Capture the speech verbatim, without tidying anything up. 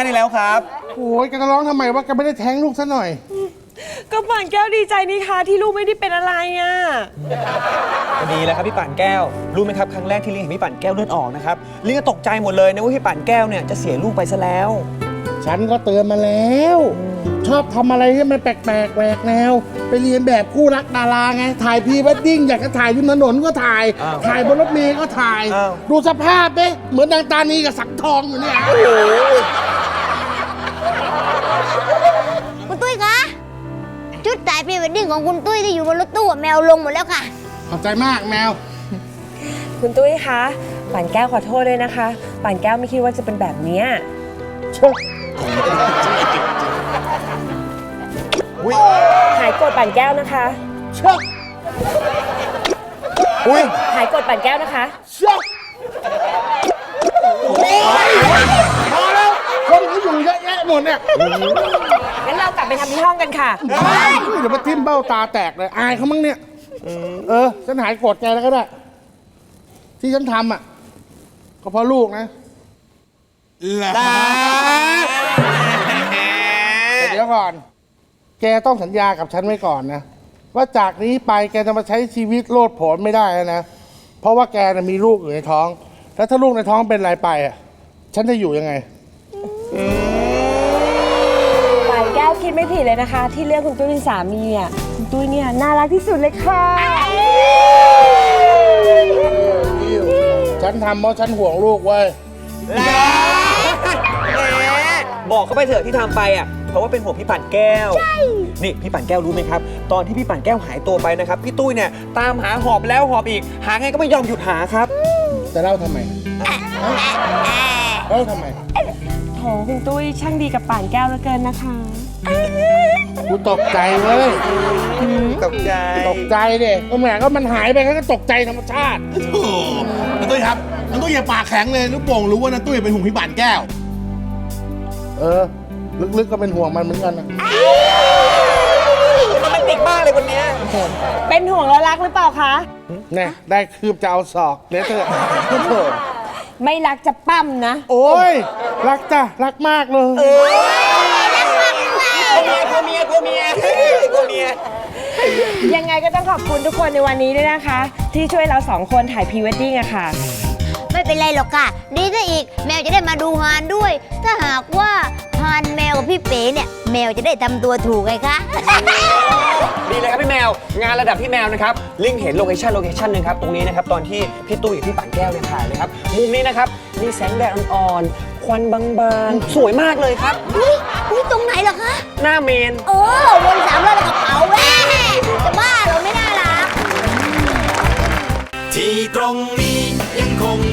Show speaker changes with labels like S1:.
S1: แล้วครับ
S2: โอ้ยแกจะร้องทำไมวะแกไม่ได้แท้งลูกซะหน่อย
S3: ก็ป่านแก้วดีใจนี่คะที่ลูกไม่ได้เป็นอะไรอ่ะ
S1: ดีแล้วครับพี่ป่านแก้วรู้ไหมครับครั้งแรกที่ลิงเห็นพี่ป่านแก้วเลือดออกนะครับลิงก็ตกใจหมดเลยนะว่าพี่ป่านแก้วเนี่ยจะเสียลูกไปซะแล้ว
S2: ฉันก็เตือนมาแล้วชอบทำอะไรที่มันแปลกๆแหวกแนวไปเรียนแบบคู่รักดาราไงถ่ายพรีเวดดิ้งอยากจะถ่ายริมถนนก็ถ่ายถ่ายบนรถเมล์ก็ถ่ายดูสภาพเด้เหมือนนางตานีกับสังทองอยู่เนี่ยโอ้โห
S4: คุณตุ้ยคะชุดถ่ายพรีเวดดิ้งของคุณตุ้ยที่อยู่บนรถตู้แมวลงหมดแล้วค่ะ
S2: ขอบใจมากแมว
S3: คุณตุ้ยคะป่านแก้วขอโทษด้วยนะคะป่านแก้วไม่คิดว่าจะเป็นแบบนี้
S2: ชก
S3: หายโกรธป่านแก้วนะคะ
S2: ชก
S1: อุ้ย
S3: หายโกรธป่านแก้วนะคะ
S2: ชกโอ้ยพอแล้วคนเขาอยู่เยอะแยะหมดเนี่ย
S3: งั้นเรากลับไปทำที่ห้องกันค่ะ
S2: เดี๋ยวมาทิ่มเบ้าตาแตกเลยอายเขามั้งเนี่ยเออฉันหายโกรธแกแล้วก็ได้ที่ฉันทำอ่ะก็เพราะลูกนะแต่เดี๋ยวก่อนแกต้องสัญญากับฉันไว้ก่อนนะว่าจากนี้ไปแกจะมาใช้ชีวิตโลดโผนไม่ได้แล้วนะเพราะว่าแกน่ะมีลูกอยู่ในท้องแล้วถ้าลูกในท้องเป็นอะไรไปอ่ะฉันจะอยู่ยังไง
S3: ป่านแก้วคิดไม่ผิดเลยนะคะ ที่เลือกคุณตุ้ยเป็นสามีอ่ะคุณตุ้ยเนี่ยน่ารักที่สุดเลยค่ะ
S2: ฉันทำเพราะฉันห่วงลูกเว้ย
S1: บอกเขาไปเถอะที่ทำไปอ่ะเพราะว่าเป็นห่วงพี่ป่านแก้วนี่พี่ป่านแก้วรู้ไหมครับตอนที่พี่ป่านแก้วหายตัวไปนะครับพี่ตุ้ยเนี่ยตามหาหอบแล้วหอบอีกหาไงก็ไม่ยอมหยุดหาครับ
S2: จะเล่าทำไมเล่าทำไม
S3: โถคุณตุ้ยช่างดีกับป่านแก้วเหลือเกินนะคะ
S2: กูตกใจเว้ย
S1: ตกใจ
S2: ตกใจเด็ก็แหมก็มันหายไปก็ตกใจธรรมชาติ
S5: โอ้น้าตุ้ยครับน้าตุ้ยอย่าปากแข็งเลยลูกโป่งรู้ว่าน้าตุ้ยเป็นห่วงพี่ป่านแก้ว
S2: เออลึกๆก็เป็นห่วงมันเหมือนกันนะ
S1: มันเป็นติกมากเลยคนนี้
S3: เป็นห่วงแล้วรักหรือเปล่าคะ
S2: เนี่ยได้คืบจะเอาศอกเนี่ยเถอะโถ
S3: ไม่รักจะปั้มนะ
S2: โอ้ยรักจ้ะรักมากเลย
S1: รักมากเลยกลัวเมียกลัวเมียกลัวเมีย
S3: ยังไงก็ต้องขอบคุณทุกคนในวันนี้ด้วยนะคะที่ช่วยเราสองคนถ่ายพรีเวดดิ้งอะค่ะ
S4: ไม่เป็นไรหรอกค่ะดีซะอีกแมวจะได้มาดูฮานด้วยถ้าหากว่าฮานแมวกับพี่เป๋เนี่ยแมวจะได้ทำตัวถูกไงคะ
S1: ดีเลยครับพี่แมวงานระดับพี่แมวนะครับลิงเห็นโลเคชั่นโลเคชั่นนึงครับตรงนี้นะครับตอนที่พี่ตุ้ยกับพี่ป่านแก้วเนี่ยถ่ายเลยครับมุมนี้นะครับมีแสงแดดอ่อนๆควันบางๆสวยมากเลยครับ
S4: อุ้ยอุ้ยตรงไหนเหรอคะ
S1: หน้าเมน
S4: โอ้วนสามรอบแล้วก็เผาแว่จะบ้าเหรอไม่น่ารัก
S6: ที่ตรงนี้ยังคง